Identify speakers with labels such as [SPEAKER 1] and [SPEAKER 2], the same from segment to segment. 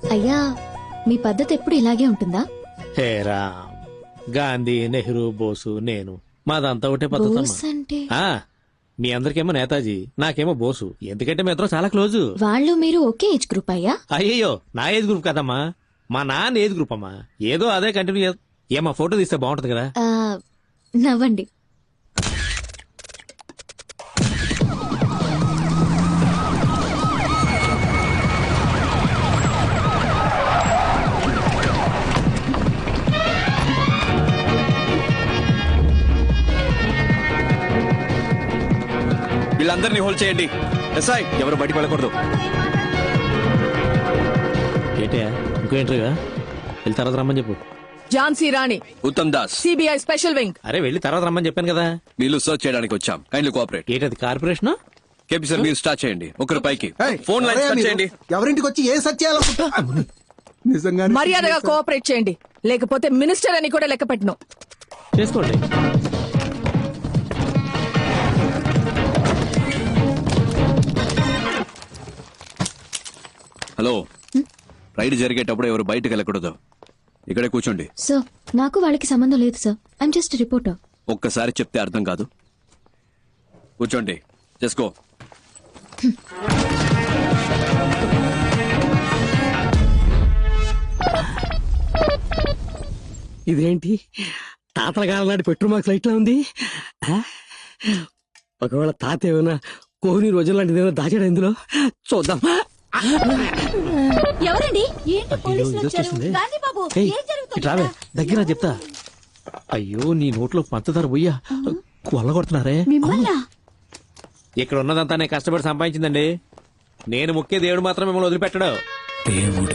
[SPEAKER 1] అయ్యా మీ పద్ధతి ఎప్పుడు ఇలాగే ఉంటుందా?
[SPEAKER 2] హేరా గాంధీ, నెహ్రూ, బోసు, నేను మాదంతా ఒకటే పద్ధతి
[SPEAKER 1] బోస్ అంటే
[SPEAKER 2] మీ అందరికేమో నేతాజీ, నాకేమో బోసు. ఎందుకంటే మీ ఇద్దరం చాలా క్లోజు.
[SPEAKER 1] వాళ్ళు మీరు ఒకే ఏజ్ గ్రూప్ అయ్యా?
[SPEAKER 2] అయ్యయ్యో, నా ఏజ్ గ్రూప్ కదమ్మా, మా నాన్న ఏజ్ గ్రూప్ అమ్మా. ఏదో అదే కంటిన్యూ. ఏమా ఫోటో తీస్తే బాగుంటది కదా.
[SPEAKER 1] నవ్వండి.
[SPEAKER 3] వీళ్ళందరినీ హోల్డ్ చేయండి. ఎస్ఐ ఎవరు బయటికి వెళ్ళకూడదు.
[SPEAKER 2] ఏంటయ్యా ఇంకో ఇంటర్వ్యూ? వెళ్ళి తర్వాత రమ్మని చెప్పు.
[SPEAKER 4] Jhansi Rani,
[SPEAKER 3] Uttam Das,
[SPEAKER 4] CBI special wing.
[SPEAKER 2] అరే వెళ్ళి తర్వాత రమ్మని చెప్పాను కదా.
[SPEAKER 3] వీళ్ళు సర్చ్ చేయడానికి వచ్చాం. Kindly cooperate.
[SPEAKER 2] ఏంటది కార్పొరేషన్?
[SPEAKER 3] కేపీ సార్ మీరు స్టార్ట్ చేయండి. ఒకరు పైకి ఫోన్ లైన్
[SPEAKER 5] ఎవరయ్యా
[SPEAKER 3] కట్
[SPEAKER 5] మీరు?
[SPEAKER 3] చేయండి.
[SPEAKER 5] ఎవరింటికి వచ్చి ఏ సత్యాలనుకుంటా నిజంగా
[SPEAKER 4] మర్యాదగా కోఆపరేట్ చేయండి, లేకపోతే మినిస్టర్ అని కూడా లెక్క పెట్టను.
[SPEAKER 2] చేసుకోండి.
[SPEAKER 3] హలో, రైడ్ జరిగేటప్పుడు ఎవరు బయటకు వెళ్ళకూడదు. ఇక్కడే కూర్చోండి.
[SPEAKER 1] సార్ నాకు వాళ్ళకి సంబంధం లేదు సార్. I'm just reporter.
[SPEAKER 3] ఒక్కసారి చెప్తే అర్థం కాదు. కూర్చోండి. చేసుకో.
[SPEAKER 6] ఇదేంటి తాతల కాలం నాటి పెట్రోల్ మార్క్స్ లైట్ లా ఉంది. ఒకవేళ తాత ఏమైనా కోహ్లీ రోజుల లాంటిది ఏమైనా దాచాడు ఇందులో, చూద్దాం.
[SPEAKER 1] ఎవరండి?
[SPEAKER 2] రావే దగ్గర చెప్తా. అయ్యో నీ నోట్లో పంచదార పోయ్యా కొల్ల కొడుతున్నారే. ఇక్కడ ఉన్నదంతా నేను కష్టపడి సంపాదించిందండి. నేను ముఖ్య దేవుడు మాత్రం మిమ్మల్ని వదిలిపెట్టడు.
[SPEAKER 3] దేవుడు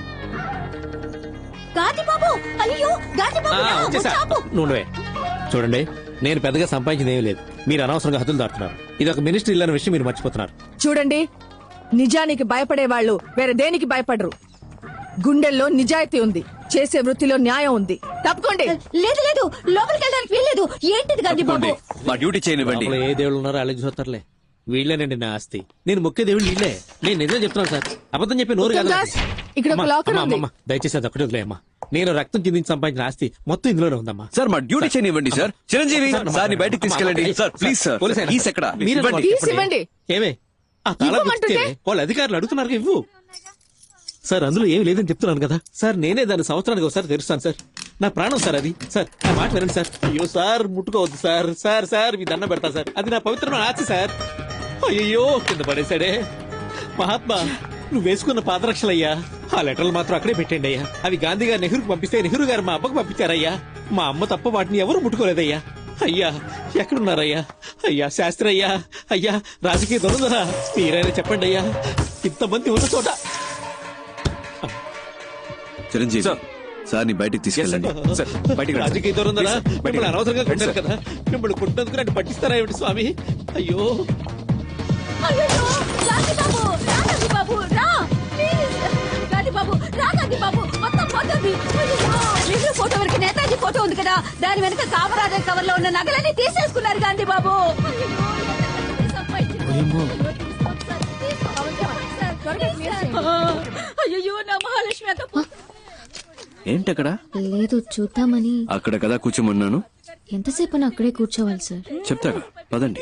[SPEAKER 2] నుండే చూడండి, నేను పెద్దగా సంపాదించింది ఏమీ లేదు. మీరు అనవసరంగా హద్దులు దాటుతున్నారు. ఇది ఒక మినిస్టర్ ఇల్లు అనే విషయం మీరు మర్చిపోతున్నారు.
[SPEAKER 4] చూడండి, నిజానికి భయపడే వాళ్ళు వేరే దేనికి భయపడరు. గుండెల్లో నిజాయితీ ఉంది, చేసే వృత్తిలో న్యాయం ఉంది. తప్పుకోండి.
[SPEAKER 1] లేదు లేదు, లోపలికి వెళ్ళడానికి వీల్లేదు. ఏంటిది గాంధీ బాబు?
[SPEAKER 3] మా డ్యూటీ చేయనివ్వండి.
[SPEAKER 2] లోపల ఏ దేవుళ్ళు ఉన్నారో అలాగే చూస్తారులే. వీళ్ళేనండి నా ఆస్తి. నేను ముఖ్య దేవుడు వీళ్ళే. నేను నిజం చెప్తున్నాను సార్, అబద్ధం చెప్పి నోరు కాదు.
[SPEAKER 4] దాస్, ఇక్కడ ఒక లాకర్ ఉంది.
[SPEAKER 2] దయచేసి అది ఒకటి వదిలేయమ్మా. నేను రక్తం చిందించి సంపాదించిన ఆస్తి మొత్తం ఇందులోనే ఉందమ్మా.
[SPEAKER 3] సార్ మా డ్యూటీ చేయనివ్వండి సార్. చిరంజీవి సార్ ని బయటకు తీసుకెళ్ళండి. Sir please sir. కీస్ ఎక్కడ? ఇవ్వండి.
[SPEAKER 4] తీసి ఇవ్వండి.
[SPEAKER 2] ఏమే ఆ తాళం
[SPEAKER 4] ఇవ్వమంటుంటే?
[SPEAKER 2] ఇస్తే వాళ్ళ అధికారులు అడుగుతున్నారు ఇవ్వు. సార్ అందులో ఏమి లేదని చెప్తున్నాను కదా సార్. నేనే దాన్ని సంవత్సరానికి ఒకసారి తెరుస్తాను సార్. నా ప్రాణం సార్ అది. సార్ నా మాట వినండి సార్. అయ్యో సార్ ముట్టుకోవద్దు సార్. సార్ సార్ మీ దండం పెడతా సార్. అది నా పవిత్రమైన ఆస్తి సార్. అయ్యో కింద పడేశాడే. మహాత్మా నువ్వు వేసుకున్న పాదరక్షలయ్యా. ఆ లెటర్లు మాత్రం అక్కడే పెట్టండి అయ్యా. అవి గాంధీ గారు నెహ్రూకి పంపిస్తే నెహ్రూ గారు మా అబ్బకు పంపించారయ్యా. మా అమ్మ తప్ప వాటిని ఎవరు ముట్టుకోలేదయ్యా. అయ్యా ఎక్కడున్నారయ్యా? అయ్యా శాస్త్రి అయ్యా, అయ్యా రాజకీయ దొరుకుదరా మీరైనా చెప్పండి అయ్యా. ఇంతమంది ఉన్న చోట
[SPEAKER 3] చిరంజీవి సార్ ని బయటకు తీసుకెళ్ళండి.
[SPEAKER 2] రాజకీయ దొరుకుదరా? మిమ్మల్ని అనవసరంగా కొట్టారు కదా. మిమ్మల్ని కొట్టినందుకు నన్ను పట్టిస్తారా ఏమిటి స్వామి? అయ్యో
[SPEAKER 1] ఫోటో వరకు నేతాజీ ఫోటో ఉంది కదా, దాని వెనక కామరాజర్ కవర్ లో ఉన్న నగలన్నీ తీసేసుకున్నారు గాంధీ బాబు. అయ్యో నా మహాలక్ష్మి
[SPEAKER 3] ఏంటక్కడ?
[SPEAKER 1] లేదు చూద్దామని.
[SPEAKER 3] అక్కడ కదా కూర్చోమన్నాను.
[SPEAKER 1] ఎంతసేపు అక్కడే కూర్చోవాలి సార్?
[SPEAKER 3] చెప్తాగా పదండి.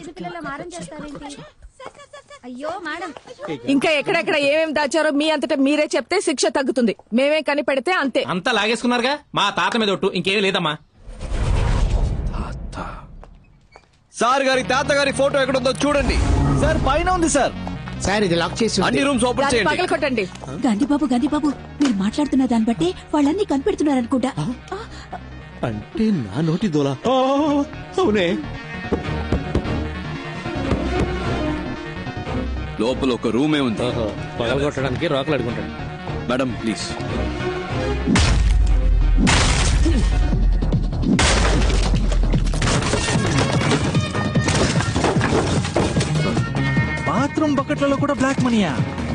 [SPEAKER 4] ఇంకా ఎక్కడెక్కడ ఏమేం దాచారో మీ అంతటా మీరే చెప్తే శిక్ష తగ్గుతుంది. మేమే కనిపెడితే అంతే.
[SPEAKER 2] అంతా లాగేసుకున్నారుగా. మా తాత మీద ఒట్టు, ఇంకేమీ లేదమ్మా.
[SPEAKER 3] సార్ గారి తాతగారి ఫోటో ఎక్కడుందో చూడండి.
[SPEAKER 5] సార్ పైన ఉంది సార్. సార్ ఇది లాక్ చేసి
[SPEAKER 3] అన్ని రూమ్స్ ఓపెన్
[SPEAKER 4] దాన్ని
[SPEAKER 3] చేయండి.
[SPEAKER 4] పగలకొట్టండి.
[SPEAKER 7] గాంధీబాబు మీరు మాట్లాడుతున్న దాన్ని బట్టి వాళ్ళన్నీ కనిపెడుతున్నారనుకుంటా.
[SPEAKER 2] అంటే నా నోటి దోలా? అవునే.
[SPEAKER 3] లోపల ఒక రూమే ఉంది.
[SPEAKER 2] పగలగొట్టడానికి రోకలు అడుగుంటాడు.
[SPEAKER 3] Madam please.
[SPEAKER 5] బాత్రూమ్ బకెట్లలో కూడా బ్లాక్ మనీయా?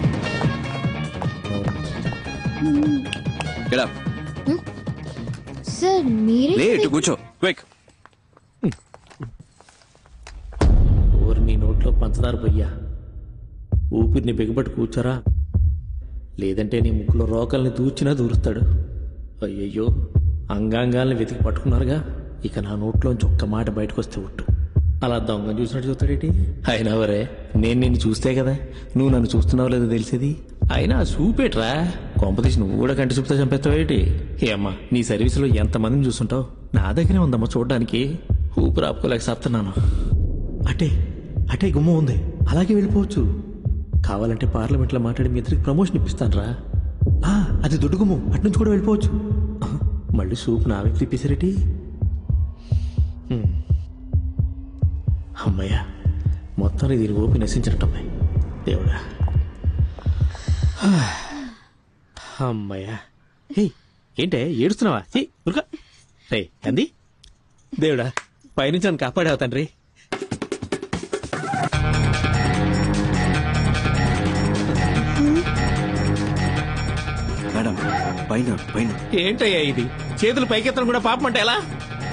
[SPEAKER 1] సార్ మీరే
[SPEAKER 3] లేట్ కూర్చో క్విక్.
[SPEAKER 2] ఊరి నీ నోట్లో పంచదార పొయ్యా. ఊపిరిని బిగబట్టి కూర్చోరా. లేదంటే నీ ముక్కులో రోకల్ని దూర్చినా దూరుస్తాడు. అయ్యయ్యో, అంగాంగాల్ని వెతికి పట్టుకున్నారుగా, ఇక నా నోట్లోంచి ఒక్క మాట బయటకు వస్తే ఒట్టు. అలా దొంగ చూసినట్టు చూస్తాడేటి? అయినా వరే, నేను నిన్ను చూస్తే కదా నువ్వు నన్ను చూస్తున్నావు లేదో తెలిసేది. అయినా చూపేట్రా, కొంపతీసి నువ్వు కూడా కంటి చూపుతా చంపేస్తావేటి? ఏమ్మా, నీ సర్వీసులో ఎంతమందిని చూస్తుంటావు, నా దగ్గరే ఉందమ్మా చూడడానికి. ఊపిరి ఆపుకోలేక సాపుతున్నాను. అటే అటే గుమ్మ ఉంది, అలాగే వెళ్ళిపోవచ్చు. కావాలంటే పార్లమెంట్లో మాట్లాడి మీ ఇద్దరికి ప్రమోషన్ ఇప్పిస్తాను రా. అది దొడ్డు గుమ్ము, అట్నుంచి కూడా వెళ్ళిపోవచ్చు. మళ్ళీ సూప్ నా వైపు తిప్పేసారేటి? అమ్మయ్యా, మొత్తం దీని ఓపి నశించినట్టమ్మాయి దేవుడా. అమ్మయ్యా. హే, ఏంటే ఏడుస్తున్నావా? ఉరుకా రే అంది. దేవుడా, పైనుంచి నన్ను కాపాడావు తండ్రి.
[SPEAKER 3] మేడం పైన పైన.
[SPEAKER 2] ఏంటయ్యా ఇది? చేతులు పైకెత్తడం కూడా పాపం అంటే ఎలా?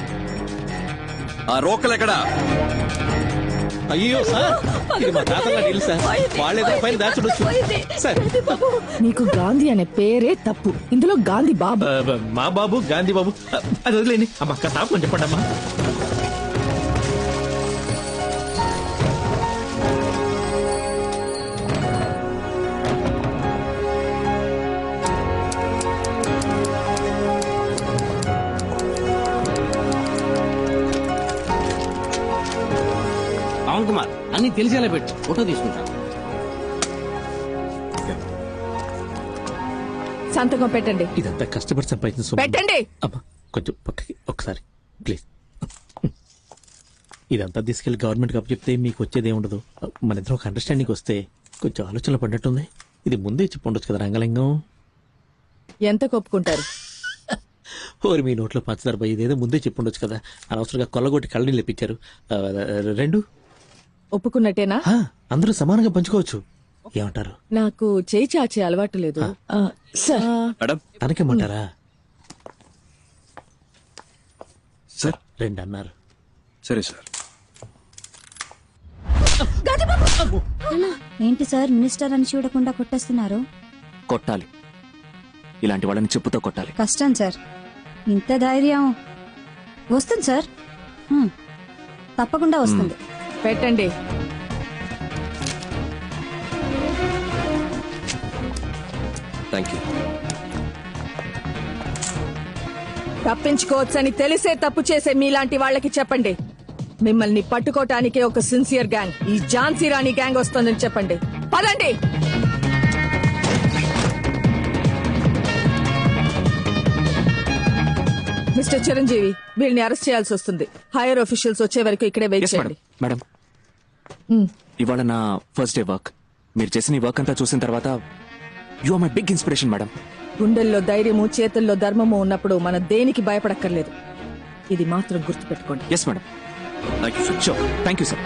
[SPEAKER 3] ఆ రోకలు ఎక్కడా?
[SPEAKER 2] అయ్యో సార్, ఇది మా తాతల నీళ్ళు సార్, వాళ్ళేదో పైన దాచుడొచ్చు సార్.
[SPEAKER 4] నీకు గాంధీ అనే పేరే తప్పు, ఇందులో గాంధీ బాబు.
[SPEAKER 2] మా బాబు గాంధీ బాబు, అది వదిలేండి అమ్మ. అక్క తాపని చెప్పండి అమ్మా.
[SPEAKER 6] పవన్ కుమార్ అన్ని తెలిసేలా పెట్టు, ఫోటో తీసుకుంటా.
[SPEAKER 4] సంతకం పెట్టండి.
[SPEAKER 2] ఇదంతా కష్టపడి సంపాదించిన సొమ్ము.
[SPEAKER 4] పెట్టండి.
[SPEAKER 2] అమ్మా కొంచెం పక్కకి ఒకసారి ప్లీజ్. ఇదంతా తీసుకెళ్లి గవర్నమెంట్ అప్పు చెప్తే మీకు వచ్చేది ఏముండదు. మన ఇద్దరం ఒక అండర్స్టాండింగ్ వస్తే కొంచెం ఆలోచనలు పడినట్టుంది. ఇది ముందే చెప్పి ఉండొచ్చు కదా రంగలింగం.
[SPEAKER 4] ఎంత కొప్పుకుంటారు?
[SPEAKER 2] ఓరి మీ నోట్లో పంచదార పోయి, ఇదేదో ముందే చెప్పి ఉండొచ్చు కదా. అనవసరంగా కొల్లగొట్టి కళ్ళని లేపించారు. 2
[SPEAKER 4] ఒప్పుకున్నట్టేనా?
[SPEAKER 2] అందరూ సమానంగా పంచుకోవచ్చు. ఏమంటారు?
[SPEAKER 4] నాకు చేయి చాచే అలవాటు లేదు సార్.
[SPEAKER 3] మేడం
[SPEAKER 2] తనకేమంటారా?
[SPEAKER 3] సార్
[SPEAKER 2] 2 అన్నారు.
[SPEAKER 3] సరే సార్.
[SPEAKER 7] ఏంటి సార్ మినిస్టర్ అని చూడకుండా కొట్టేస్తున్నారు?
[SPEAKER 3] కొట్టాలి, ఇలాంటి వాళ్ళని చెప్పుతో కొట్టాలి.
[SPEAKER 7] కష్టం సార్, ఇంత ధైర్యం. వస్తుంది సార్, తప్పకుండా వస్తుంది.
[SPEAKER 4] పెట్టండి.
[SPEAKER 3] Thank you.
[SPEAKER 4] తప్పించుకోవచ్చని తెలిసే తప్పు చేసే మీలాంటి వాళ్ళకి చెప్పండి, మిమ్మల్ని పట్టుకోటానికే ఒక సిన్సియర్ గ్యాంగ్, ఈ ఝాన్సీ రాణి గ్యాంగ్ వస్తుందని చెప్పండి. పదండి. మిస్టర్ చిరంజీవి, వీళ్ళని అరెస్ట్ చేయాల్సి వస్తుంది. హైయర్ ఆఫీషియల్స్ వచ్చే వరకు ఇక్కడే వెయిట్ చేయండి.
[SPEAKER 3] మేడం, ఇవాళ నా ఫస్ట్ డే వర్క్. మీరు చేసిన ఈ వర్క్ అంతా చూసిన తర్వాత you are my big inspiration madam.
[SPEAKER 4] గుండెల్లో ధైర్యము, చేతుల్లో ధర్మము ఉన్నప్పుడు మనం దేనికి భయపడక్కర్లేదు. ఇది మాత్రం గుర్తుపెట్టుకోండి.
[SPEAKER 3] Yes madam. Thank you sir. Sure. Thank you sir.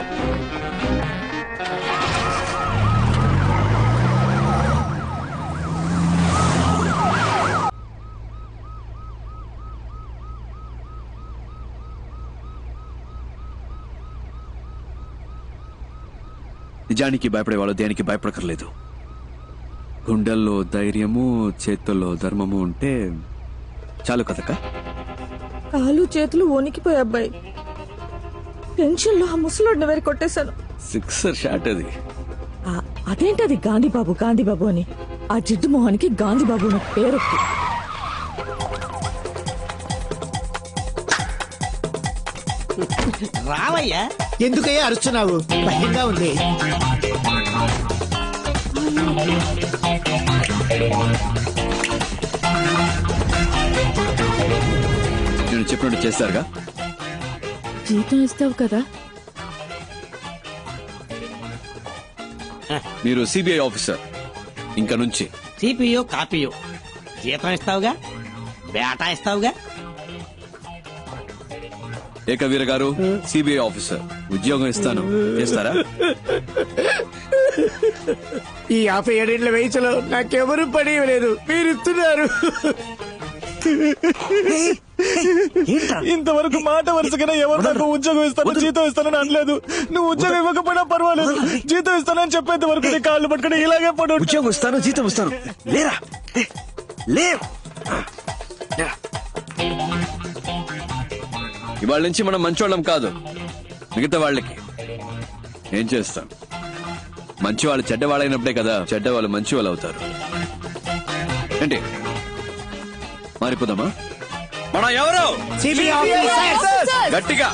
[SPEAKER 3] నిజానికి భయపడేవాళ్ళు దేనికి భయపడకర్లేదు. గుండెల్లో ధైర్యము, చేతుల్లో ధర్మము ఉంటే చాలు కదక్క.
[SPEAKER 4] కాలు చేతులు వణికిపోయి అబ్బాయి, టెన్షన్ లో ఆ ముసలోడిని వేరు కొట్టేశాను.
[SPEAKER 3] 6 షాట్ అది.
[SPEAKER 4] అదేంటది గాంధీబాబు గాంధీబాబు అని? ఆ జిడ్డు మొహానికి గాంధీబాబు అనే పేరు.
[SPEAKER 8] రావయ్యా, ఎందుకయ్యా అరుస్తున్నావు? భయంగా ఉంది.
[SPEAKER 3] నేను చెప్పినట్టు చేస్తారుగా.
[SPEAKER 4] జీతం ఇస్తావు కదా?
[SPEAKER 3] మీరు సిబిఐ ఆఫీసర్ ఇంకా నుంచి.
[SPEAKER 8] సిపియో కాపీయో జీతం ఇస్తావుగా, బేటా ఇస్తావుగా.
[SPEAKER 3] ఏకవీర గారు, సిబిఐ ఆఫీసర్, ఉద్యోగం ఇస్తాను, చేస్తారా?
[SPEAKER 8] ఈ 57 వయసులో నాకెవరు పని లేదు, మీరు ఇస్తున్నారు.
[SPEAKER 9] ఇంతవరకు మాట వరుసగానే ఎవరు నాకు ఉద్యోగం ఇస్తాను జీతం ఇస్తానని అనలేదు. నువ్వు ఉద్యోగం ఇవ్వకపోయినా పర్వాలేదు, జీతం ఇస్తానని చెప్పేంత వరకు నీ కాళ్ళు పట్టుకుని ఇలాగే పడు.
[SPEAKER 3] ఉద్యోగం ఇస్తాను, జీతం ఇస్తాను. లేరా లే.
[SPEAKER 10] ఇవాళ నుంచి మనం మంచోళ్ళం కాదు, మిగతా వాళ్ళకి ఏం చేస్తాం. మంచి వాళ్ళు చెడ్డవాళ్ళైనప్పుడే కదా చెడ్డవాళ్ళు మంచి వాళ్ళు అవుతారు. ఏంటి మారిపోదామా? మనం ఎవరు? గట్టిగా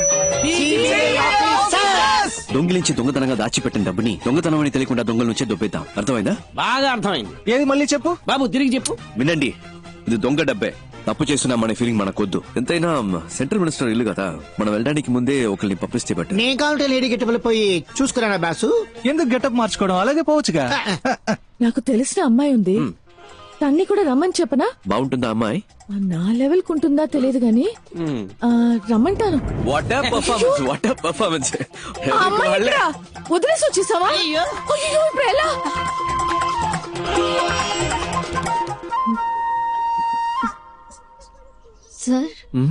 [SPEAKER 3] దొంగిలించి దొంగతనంగా దాచిపెట్టిన డబ్బుని దొంగతనం అని తెలియకుండా దొంగల నుంచే దొబ్బేద్దాం. అర్థమైందా?
[SPEAKER 6] బాగా అర్థమైంది.
[SPEAKER 9] ఏది మళ్ళీ చెప్పు
[SPEAKER 6] బాబు తిరిగి చెప్పు.
[SPEAKER 3] వినండి, ఇది దొంగ డబ్బే. తప్పు చేస్తున్నామనే ఫీలింగ్ మనకొద్దు. ఎంతైనా సెంట్రల్ మినిస్టర్ ఇల్లు కదా, మనం వెళ్ళడానికి ముందే ఒకరిని పంపిస్తే బట్టి.
[SPEAKER 8] నేను కావాలంటే లేడీ గెట్టబుల్ పోయి చూసుకురానా బాసు?
[SPEAKER 9] ఎందుకు గెటప్ మార్చుకోవడం, అలాగే పోవచ్చుగా.
[SPEAKER 4] నాకు తెలిసిన అమ్మాయి ఉంది, తన్ని కూడా రమ్మని చెప్పనా?
[SPEAKER 3] బాగుంటుందా అమ్మాయి?
[SPEAKER 4] నా లెవెల్ కుంటుందా తెలియదు గాని రమ్మంటాను.
[SPEAKER 3] What a performance, what a performance.
[SPEAKER 4] ఆ అమ్మాయి ఎక్కడా? వదిలేసి వచ్చేసావా? అయ్యో, ఇప్పుడు ఎలా?
[SPEAKER 1] సార్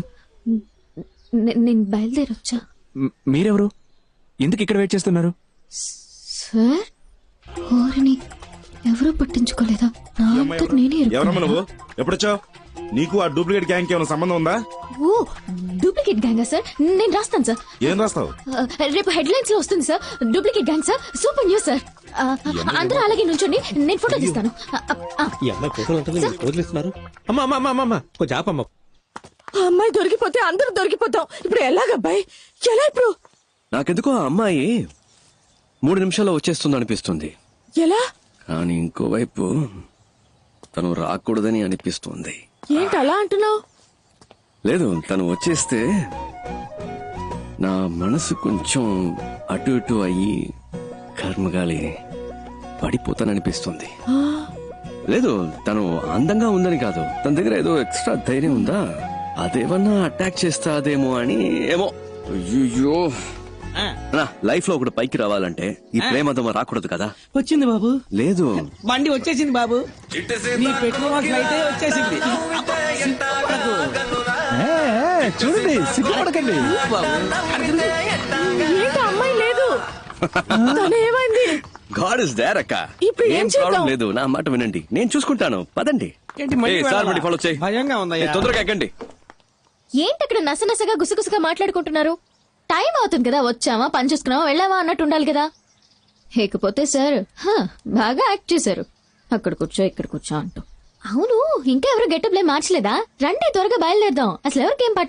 [SPEAKER 1] నేను బయలుదేరొచ్చా.
[SPEAKER 3] మీరెవరు? ఎందుకు ఇక్కడ వెయిట్ చేస్తున్నారు?
[SPEAKER 1] సార్ ఓరిని ఎవరూ పట్టించుకోలేదా? నా అంతట నేనే
[SPEAKER 9] ఎవరమ్మా నువ్వు? ఎప్పుడొచ్చావు? నీకు ఆ డూప్లికేట్ గ్యాంగ్ ఏమైనా సంబంధం ఉందా?
[SPEAKER 1] ఓ డూప్లికేట్ గ్యాంగా సార్? నేను రాస్తాను సార్.
[SPEAKER 9] ఏం రాస్తావు?
[SPEAKER 1] రేపు హెడ్లైన్స్ లో వస్తుంది sir. Duplicate gang sir, super news sir. అందరూ అలాగే నుంచోండి, నేను ఫోటో తీస్తాను.
[SPEAKER 2] ఈ అమ్మాయి ఫోటోలు ఉంటుంది, మీరు వదిలేస్తున్నారు. అమ్మా అమ్మా అమ్మా అమ్మా కొంచెం ఆపమ్మా.
[SPEAKER 4] ఆ అమ్మాయి దొరికిపోతే అందరూ దొరికిపోతాం. ఇప్పుడు ఎలాగబ్బాయి? ఎలా ఇప్పుడు?
[SPEAKER 3] నాకెందుకో ఆ అమ్మాయి 3 నిమిషాల్లో వచ్చేస్తుంది అనిపిస్తుంది.
[SPEAKER 4] ఎలా?
[SPEAKER 3] కానీ ఇంకోవైపు తను రాకూడదని అనిపిస్తుంది.
[SPEAKER 4] ఏంటి అలా అంటున్నావు?
[SPEAKER 3] లేదు, తను వచ్చేస్తే నా మనసు కొంచెం అటు ఇటు అయ్యి కర్మగాలి పడిపోతాననిపిస్తుంది. లేదు, తను అందంగా ఉందని కాదు, తన దగ్గర ఏదో ఎక్స్ట్రా ధైర్యం ఉందా, అదేమన్నా అటాక్ చేస్తాదేమో అని. ఏమో. అయ్యో, లైఫ్ లో ఒకటి పైకి రావాలంటే ఈ ప్రేమదమ రాకూడదు కదా.
[SPEAKER 6] వచ్చింది బాబు.
[SPEAKER 3] లేదు,
[SPEAKER 6] బండి వచ్చేసింది బాబు. నీ పెట్టిన అయితే వచ్చేసింది.
[SPEAKER 9] చూడండి, సిగ్గుపడకండి.
[SPEAKER 4] ఏంటి అమ్మాయి లేదు? తను ఏమైంది?
[SPEAKER 3] గాడ్ ఇస్ దేర్ అక్క.
[SPEAKER 4] ఇప్పుడు ఏం
[SPEAKER 3] ఏం
[SPEAKER 4] చేద్దాం?
[SPEAKER 3] ప్రాబ్లం లేదు, నా మాట వినండి, నేను చూసుకుంటాను. పదండి.
[SPEAKER 6] ఏంటి మళ్ళీ
[SPEAKER 3] ఏయ్, సార్
[SPEAKER 6] వెళ్ళాలా?
[SPEAKER 3] బండి ఫాలో చేయి.
[SPEAKER 6] భయంగా ఉందయ్యా.
[SPEAKER 3] తొందరగా ఎక్కండి.
[SPEAKER 1] ఏంటి అక్కడ నసనసగా గుసగుసగా మాట్లాడుకుంటున్నారు? టైం అవుతుంది కదా, వచ్చావా పని చూసుకున్నావా వెళ్ళావా అన్నట్టు ఉండాలి కదా. లేకపోతే సార్ బాగా యాక్ట్ చేశారు, అక్కడ కూర్చో ఇక్కడ కూర్చో అంటూ. అవును, ఇంకా ఎవరు గెటప్లే మార్చలేదా? రండి త్వరగా బయలుదేరదాం. అసలు ఎవరికేం